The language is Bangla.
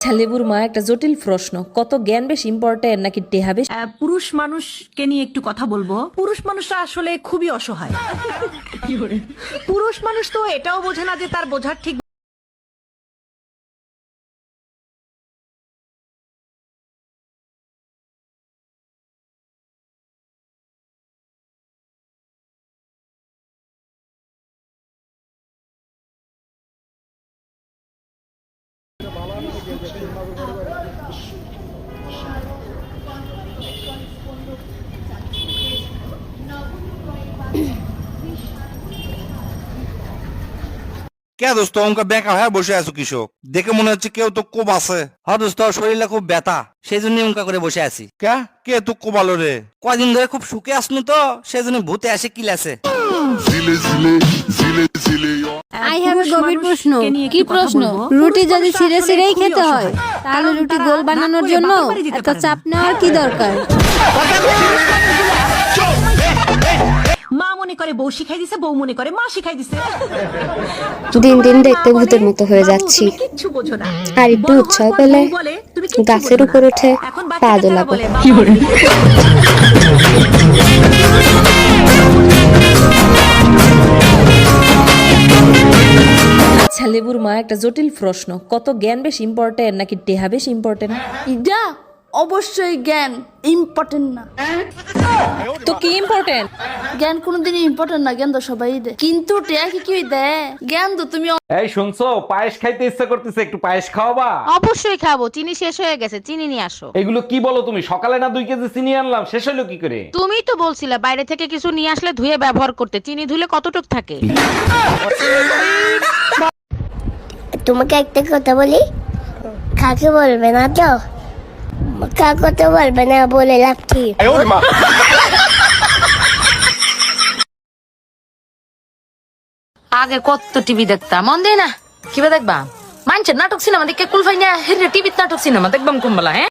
লেবুর মা একটা জটিল প্রশ্ন, কত জ্ঞান বেশি ইম্পর্টেন্ট নাকি টেহা বেশি? পুরুষ মানুষকে নিয়ে একটু কথা বলবো। পুরুষ মানুষরা আসলে খুবই অসহায়। পুরুষ মানুষ তো এটাও বোঝে না যে তার বোঝার ঠিক কে দোস্ত অঙ্কা বেকা হ্যাঁ বসে আছো কৃষক দেখে মনে হচ্ছে কেউ তো কোপ আছে। হ্যাঁ দোস্ত শরীরটা খুব ব্যথা, সেই জন্য উনকা করে বসে আছি। কে কে তো কোবালো রে? কয়দিন ধরে খুব সুখে আসনু তো, সেই জন্য ভূতে আসে কিলাছে। আই হ্যাভ এ গভীর প্রশ্ন। মানুষকে নিয়ে কি একটু কথা প্রশ্ন? বলবো। রুটি পুরুষ যদি মানুষরা ছিঁড়ে আসলে ছিঁড়েই খুবই খেতে হয়, অসহায়। তাহলে কারণ রুটি তারা গোল না বানানোর করে জন্য বাপের বাড়ি যেতে এত পারে না। চাপ নেওয়ার কি দরকার? মা মনে করে বউ শিখাই দিছে, বউ মনে করে মা শিখাই দিছে। দিন দিন মা দেখতে বলে, ভূতের মতো হয়ে বাবু, যাচ্ছি। তুমি কিচ্ছু বোঝো না। আর একটু বড় হওয়ার উৎসাহ পর পেলে বউ বলে, তুমি কিচ্ছু গাছের বোঝো উপর না। উঠে এখন পা বাচ্চাকাচ্চারা দোলাবো। বলে, লেবুর মা একটা জটিল প্রশ্ন, কত জ্ঞান বেশি ইম্পর্টেন্ট নাকি টেহা বেশি ইম্পর্টেন্ট? এটা অবশ্যই জ্ঞান ইম্পর্টেন্ট না। তো কি ইম্পর্টেন্ট? জ্ঞান কোনোদিনই ইম্পর্টেন্ট না, জ্ঞান তো সবাই দেয়, কিন্তু টেয়া কি দেয়? জ্ঞান তো তুমি এই শুনছো, পায়েস খাইতে ইচ্ছা করতেছে, একটু পায়েস খাওয়াবা? অবশ্যই খাবো, চিনি শেষ হয়ে গেছে, চিনি নিয়ে আসো। এগুলো কি বলো তুমি? সকালে না 2 কেজি চিনি আনলাম, শেষ হলো কি করে? তুমিই তো বলছিলে বাইরে থেকে কিছু নিয়ে আসলে ধুয়ে ব্যবহার করতে, চিনি ধুলে কতটুক থাকে। তোমাকে একটা কথা বলি, কাকে বলবে না তো? কাকে তো বলবে না, বলে লাভ কি? আগে কত টিভি দেখতাম, মন দেয় না কিবা দেখবা? মানছে নাটক সিনেমা দেখে কুলফাই না, টিভিতে নাটক সিনেমা দেখবাম কুম্বলা। হ্যাঁ